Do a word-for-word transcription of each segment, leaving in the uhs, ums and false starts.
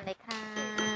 เลยครับ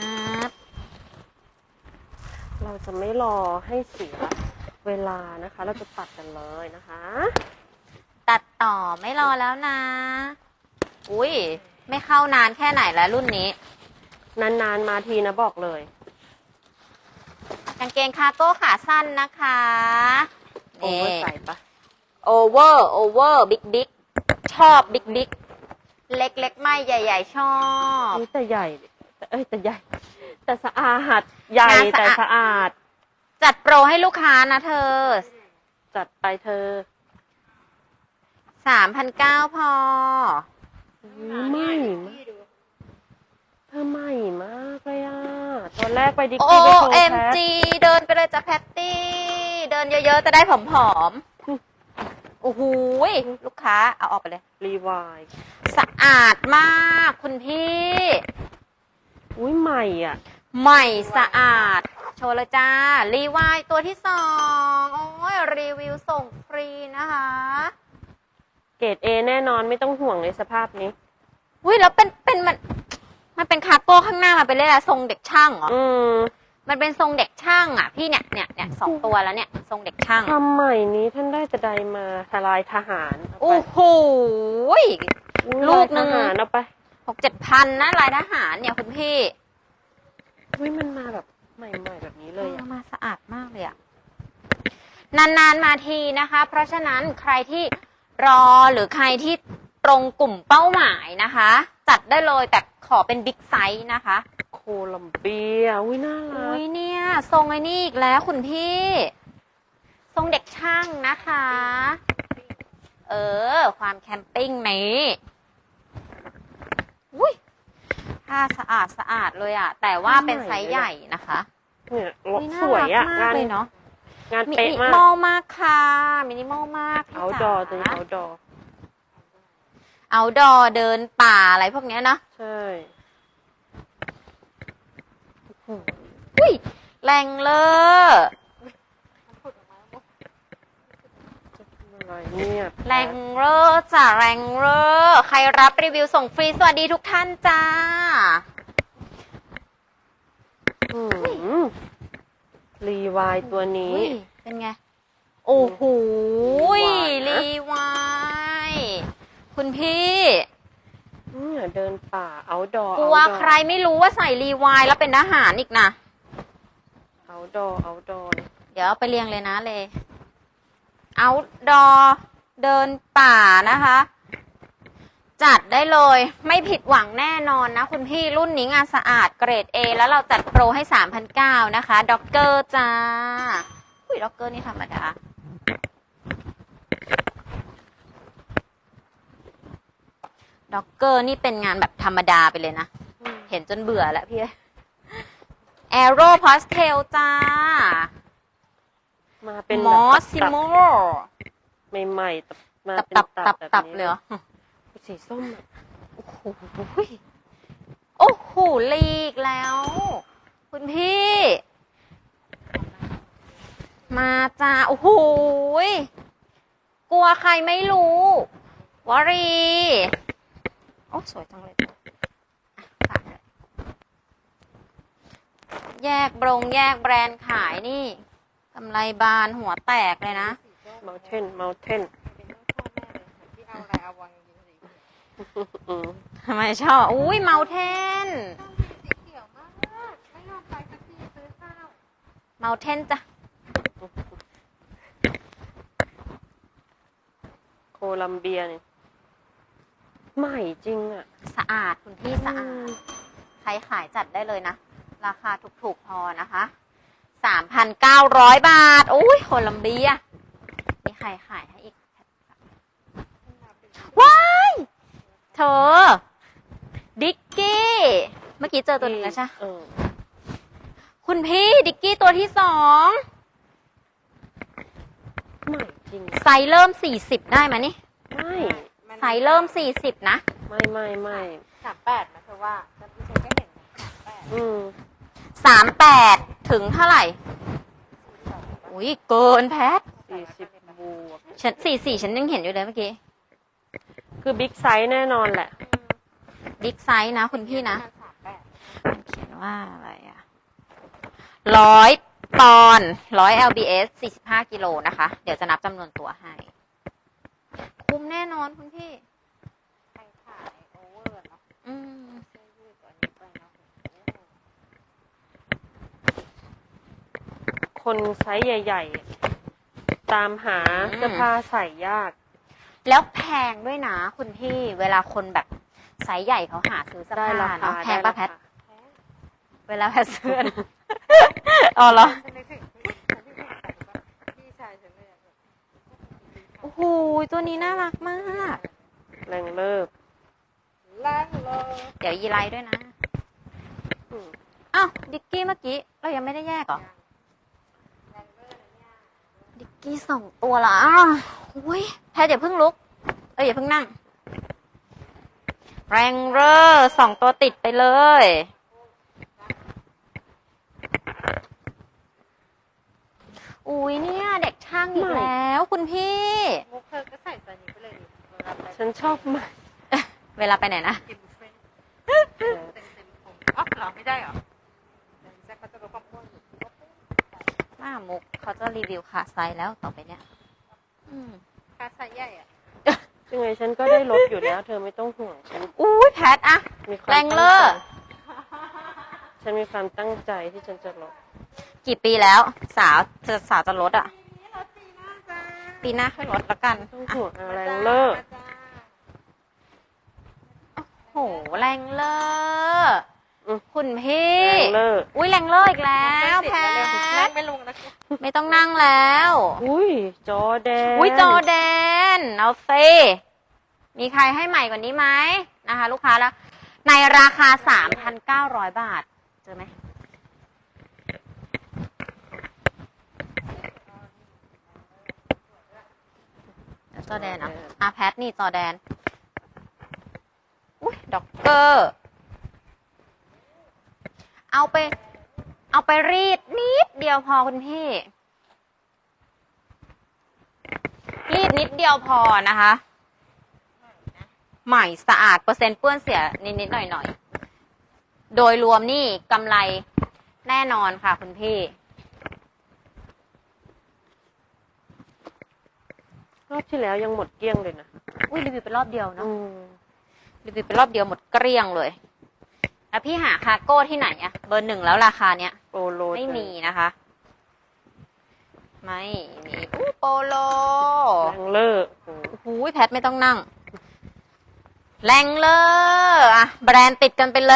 เราจะไม่รอให้เสียเวลานะคะ เราจะตัดกันเลยนะคะตัดต่อไม่รอแล้วนะ อุ้ยไม่เข้านานแค่ไหนแล้วรุ่นนี้นานๆมาทีนะบอกเลยกางเกงคาร์โก้ขาสั้นนะคะโอเวอร์ใส่ปะโอเวอร์โอเวอร์บิ๊กบิ๊กชอบบิ๊กบิ๊กเล็กเล็กไม่ใหญ่ๆชอบนี่แต่ใหญ่แต่เอ้ยแต่ใหญ่ แต่สะอาดใหญ่แต่สะอาดจัดโปรให้ลูกค้านะเธอจัดไปเธอสามพันเก้าพอไม่มากเธอใหม่มากเลยอ่ะตอนแรกไปดิกโอกี้ไปโชว์เอ็มแพทจีเดินไปเลยจ้ะแพตตี้ เดินเยอะๆจะได้ผอมๆ โอ้โหลูกค้าเอาออกไปเลยรีวายสะอาดมากคุณพี่อุ้ยใหม่อ่ะใหม่สะอาด โชว์เลยจ้า รีวายตัวที่สองโอ้ยรีวิวส่งฟรีนะคะเกรดเอแน่นอนไม่ต้องห่วงในสภาพนี้อุ้ยแล้วเป็นเป็นมันมันเป็นคาร์โก้ข้างหน้ามาเป็นเลยอะทรงเด็กช่างเหรออืมมันเป็นทรงเด็กช่างอ่ะ พี่เนี่ยเนี่ยเนี่ยสองตัวแล้วเนี่ยทรงเด็กช่างทำใหม่นี้ท่านได้แต่ใดมาทลายทหารเอาไปโอ้โหอุ๊ยลูกหนึ่งลายทหารเอาไปหกเจ็ดพันนะลายทหารเนี่ยคุณพี่อุ้ยมันมาแบบใหม่ๆแบบนี้เลยอ่ะมาสะอาดมากเลยอะนานๆมาทีนะคะ เพราะฉะนั้นใครที่รอหรือใครที่ตรงกลุ่มเป้าหมายนะคะ จัดได้เลยแต่ขอเป็นบิ๊กไซส์นะคะโคลัมเบียอุ้ยน่ารัอุ้กยเนี่ยทรงไอ้นี่อีกแล้วคุณพี่ ทรงเด็กช่างนะคะ เออ ความแคมปิ้งนี้อุ้ยผ้าสะอาดสะอาดเลยอะแต่ว่าเป็นไซส์ใหญ่นะคะเนี่ยรถอุ๊น่าสวยอ่ะรักมากงานเลยเนาะงานมิเป๊ะนิมากมอลมากค่ะมินิมอลมากพี่เอาดจ๋าอตัวนี้เอาดอเอาดอเดินป่าอะไรพวกเนี้ยนะใช่อุ้ยแรงเลออะไรเนี่ยแรงเลอจ้ะแรงเลอใครรับรีวิวส่งฟรีสวัสดีทุกท่านจ้าอืมรีวายตัวนี้อุ๊ยเป็นไง โอ้โหหวานนะรีวายคุณพี่เนี่ยเดินป่าเอาดอกลัวใครไม่รู้ว่าใส่รีวายแล้วเป็นทหารอีกนะเอาดอเอาดอเดี๋ยวเอาไปเรียงเลยนะเลย เอาดอเดินป่านะคะ จัดได้เลยไม่ผิดหวังแน่นอนนะคุณพี่รุ่นนี้งานสะอาดเกรด A แล้วเราจัดโปรให้ สามพันเก้าร้อย นะคะด็อกเกอร์จ้าอุ้ยด็อกเกอร์นี่ธรรมดาด็อกเกอร์นี่เป็นงานแบบธรรมดาไปเลยนะ เห็นจนเบื่อแล้วพี่แอโร่พาสเทลจ้ามาเป็นมอสแบบซิโมใหม่ๆตับมาตับเป็นตับตัตับบ แบบตับนี้เลยเหรอสีส้มอะโอ้โหโอ้โหลีกแล้ว คุณพี่ มาจ้า โอ้โหกลัวใครไม่รู้วรี โอ้สวยจังเลยอ่ะฝากเลยแยกบรงแยกแบรนด์ขายนี่กำไรบานหัวแตกเลยนะเมาเทนเมาเทน อืมทำไมชอบ อุ้ยเมาเทนเมาเทนจ้ะโคลัมเบียนี่ใหม่จริงอ่ะสะอาดคุณพี่สะอาด ใครขายจัดได้เลยนะ ราคาถูกๆพอนะคะ สามพันเก้าร้อย บาท โอ้ยโคลัมเบียมีใครขายให้อีก ว้าย เธอ ดิกกี้ เมื่อกี้เจอตัวหนึ่งแล้วใช่ไหมเออคุณพี่ดิกกี้ตัวที่สองใหม่จริงไซส์เริ่มสี่สิบได้ไหมนี่ไม่ไซส์เริ่มสี่สิบนะไม่ไม่ไม่สามแปดนะเธอว่าฉันฉันก็เห็นสามแปดอืมสามแปดถึงเท่าไหร่ อุ้ยเกินแพทสี่สิบบวกฉันสี่สี่ฉันยังเห็นอยู่เลยเมื่อกี้คือบิ๊กไซส์แน่นอนแหละบิ๊กไซส์นะคุณพี่นะสามแปดว่าอะไรอะร้อยปอนด์ร้อย แอล บี เอส สี่สิบห้ากิโลนะคะ เดี๋ยวจะนับจำนวนตัวให้ คุ้มแน่นอนคุณพี่ใครขายโอเวอร์เนาะอืมเสื้อยืดตัวนี้ไปเนาะคนไซส์ใหญ่ๆ ตามหาเสื้อผ้าใส่ยากแล้วแพงด้วยนะคุณพี่ เวลาคนแบบไซส์ใหญ่เขาหาซื้อเสื้อได้ผ้าราคาเนาะแพได้งป่ะราแพทคาเวลาแพทซื้อ อ๋อเหรอฉันนึกถึงที่ฉันนึกถึงแต่ว่าพี่ชายฉันเลยอะโอ้โห ตัวนี้น่ารักมากแรงเลิกล่างเลยเดี๋ยวยีไลด้วยนะอืมอ้าวดิกกี้เมื่อกี้ เรายังไม่ได้แยกเหรอ ดิกกี้สองตัวละอ้าวอุ้ยแพทอย่าเพิ่งลุก เอ้ยอย่าเพิ่งนั่ง แรงเรอร์สองตัวติดไปเลย อุ้ยเนี่ย เด็กช่างอีกแล้วคุณพี่มุกเธอก็ใส่ตัวนี้ไปเลยดิเวลาไปฉันชอบมากเวลาไปไหนนะกินบุฟเฟ่ต์เต็มเต็มผมอ๋อเหรอไม่ได้เหรอแต่แจ็คเขาจะลดความอ้วนอยู่หน้ามุกเขาจะรีวิวขาไซส์แล้วต่อไปเนี่ย อืมค่าไซส์ใหญ่อะยังไงฉันก็ได้ลดอยู่แล้ว เธอไม่ต้องห่วงฉันอุ้ยแพทอะมีความแรงเลอร์ฉันมีความตั้งใจที่ฉันจะลดกี่ปีแล้ว สาวจะสาวจะลดอะปีนี้ลดปีหน้าจ้าปีหน้าค่อยลดละกันต้องอ่ะห่วงอะไรแรงเลอร์จ้าโหแรงเลอร์อืมคุณพี่แรงเลอร์อุ้ยแรงเลอร์อีกแล้วแพนั่งทไม่ลงนะไม่ต้องนั่งแล้วอุ้ยจอแดนอุ้ยจอแดน เอาซิมีใครให้ใหม่กว่านี้ไหมนะคะ ลูกค้าแล้ว ในราคา สามพันเก้าร้อย บาท เจอไหมจอแดนเหรออาแพทนี่จอแดน อุ้ยด็อกเกอร์ เอาไป เอาไปรีดนิดเดียวพอคุณพี่ รีดนิดเดียวพอนะคะ ใหม่สะอาดเปอร์เซ็นต์เปื้อนเสียนิดๆหน่อยๆ โดยรวมนี่กำไรแน่นอนค่ะคุณพี่รอบที่แล้วยังหมดเกลี้ยงเลยนะอุ้ยรีวิวเป็นรอบเดียวเนาะอืมรีวิวเป็นรอบเดียวหมดเกลี้ยงเลย แล้วพี่หาคาร์โก้ที่ไหนอะเบอร์หนึ่งแล้วราคาเนี้ยโปโลไม่มีนะคะ ไม่มีอู้โปโลแรงเลอร์โอ้โหโอ้โหแพทไม่ต้องนั่ง แรงเลยอะแบรนด์ติดกันไปเลย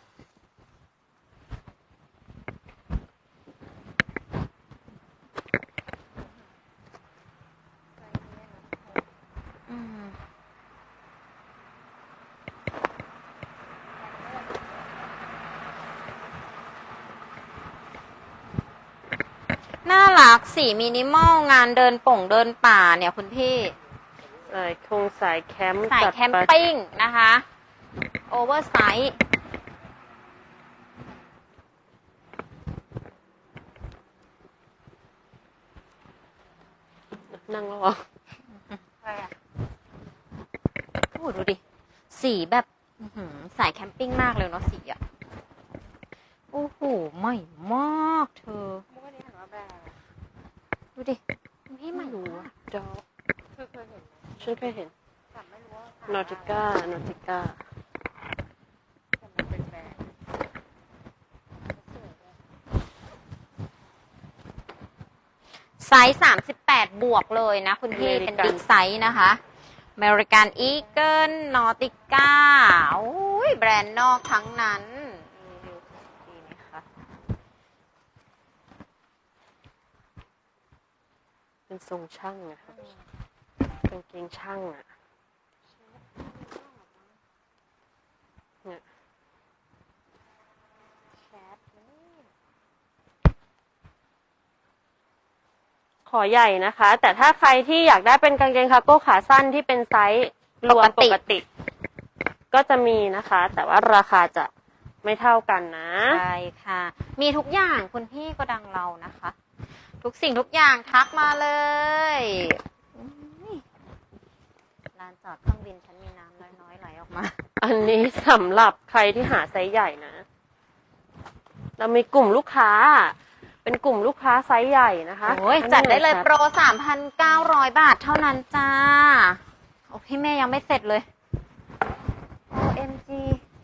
อืมน่ารักสีมินิมอลงานเดินป่งเดินป่าเนี่ยคุณพี่สายคงสายแคมป์สายจัดแคมไปปิ้งนะคะ โอเวอร์ไซส์นั่งแล้วเหรอใช่อะโอ้โหดูดิ สีแบบอื้อหือสายแคมปิ้งมากเลยเนาะสีอ่ะ โอ้โหใหม่มากเธอมุกอันนี้เห็นว่าแบรนด์อะไรดูดิคุณพี่ใหม่รู้มากจอเธอเคยเห็นไหมฉันเคยเห็นแต่ไม่รู้ว่าขายนอติก้านอติก้าแต่มันเป็นแบรนด์สวยด้วยไซส์สามสิบแปดบวกเลยนะคุณพี่ เป็นบิ๊กไซส์นะคะ อเมริกันอีเกิลนอติก้าโอ้ยแบรนด์นอกทั้งนั้นรีวิวดีไหมคะเป็นทรงช่างอะครับกางเกงช่างอะเนี่ยแชทนี่ขอใหญ่นะคะ แต่ถ้าใครที่อยากได้เป็นกางเกงคาร์โก้ขาสั้นที่เป็นไซส์รวมปกติ ก็จะมีนะคะ แต่ว่าราคาจะไม่เท่ากันนะใช่ค่ะ มีทุกอย่างคุณพี่ก็ดังเรานะคะ ทุกสิ่งทุกอย่างทักมาเลยอุ๊ยลานจอดเครื่องบินฉันมีน้ำน้อยๆไหลออกมาอันนี้สำหรับใครที่หาไซส์ใหญ่นะเรามีกลุ่มลูกค้า เป็นกลุ่มลูกค้าไซส์ใหญ่นะคะโอ้ยอันนี้จัดได้เลยครับโปร สามพันเก้าร้อย บาทเท่านั้นจ้า โอ้พี่แม่ยังไม่เสร็จเลย โอ เอ็ม จี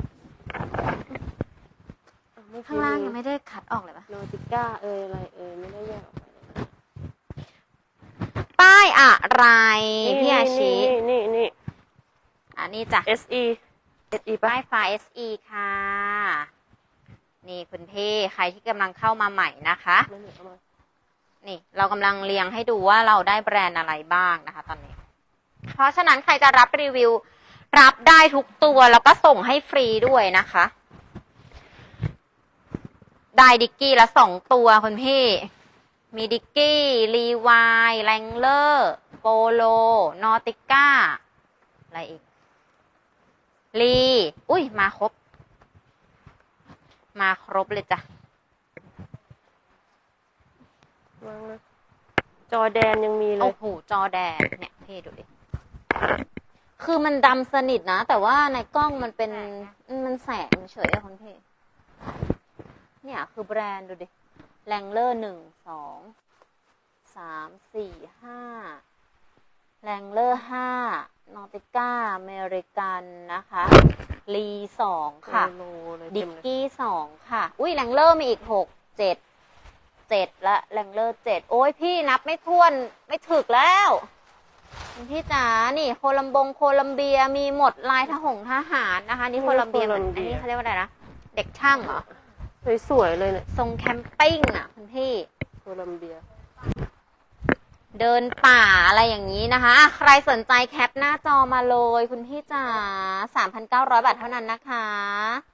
ข้างล่างยังไม่ได้คัดออกเลยปะโนติก้าเอยอะไรเอยไม่ได้แยกออกไปเลยนะป้ายอะไร พี่อาชีนี่นี่นี่อันนี้จ้ะเอส อี เอส อี ป่ะป้ายไฟ เอส อี ค่ะ นี่คุณพี่ใครที่กำลังเข้ามาใหม่นะคะไม่เหลือเอามานี่เรากำลังเรียงให้ดูว่าเราได้แบรนด์อะไรบ้างนะคะ ตอนนี้ เพราะฉะนั้นใครจะรับรีวิว รับได้ทุกตัวแล้วก็ส่งให้ฟรีด้วยนะคะ ได้ดิกกี้ละสองตัวคุณพี่ มีดิกกี้รีวายแรงเลอร์โปโลนอติก้าอะไรอีกลีอุ้ยมาครบ มาครบเลยจ้ะวางนะจอแดนยังมีเลโอ้ยโหจอแดงเนี่ยพี่ดูดิ คือมันดำสนิทนะ แต่ว่าในกล้องมันเป็นมันแสงเฉยอะคุณพี่ เนี่ยคือแบรนด์ดูดิแรงเลอร์หนึ่งสองสามสี่ห้าแรงเลอร์ห้านอติก้าอเมริกันนะคะลีสองค่ะโลเลยดิเต็กมเลยกี้สองค่ะ อุ้ยแรงเลอร์มีอีกหกเจ็ดเจ็ดละแรงเลอร์เจ็ดโอ้ยพี่นับไม่ถ้วนไม่ถึกแล้วคุณพี่จ๋านี่โคลัมบงโคลัมเบียมีหมดลายทหงทหารนะคะ นี่โคลัมเบียเหมือนอันนี้เขาเรียกว่าอะไรนะ เด็กช่างเหรอสวยๆเลยเนี่ยทรงแคมปิ้งอ่ะคุณพี่โคลัมเบียเดินป่าอะไรอย่างนี้นะคะอ่ะใครสนใจแคปหน้าจอมาเลยคุณพี่จ๋า สามพันเก้าร้อย บาทเท่านั้นนะคะ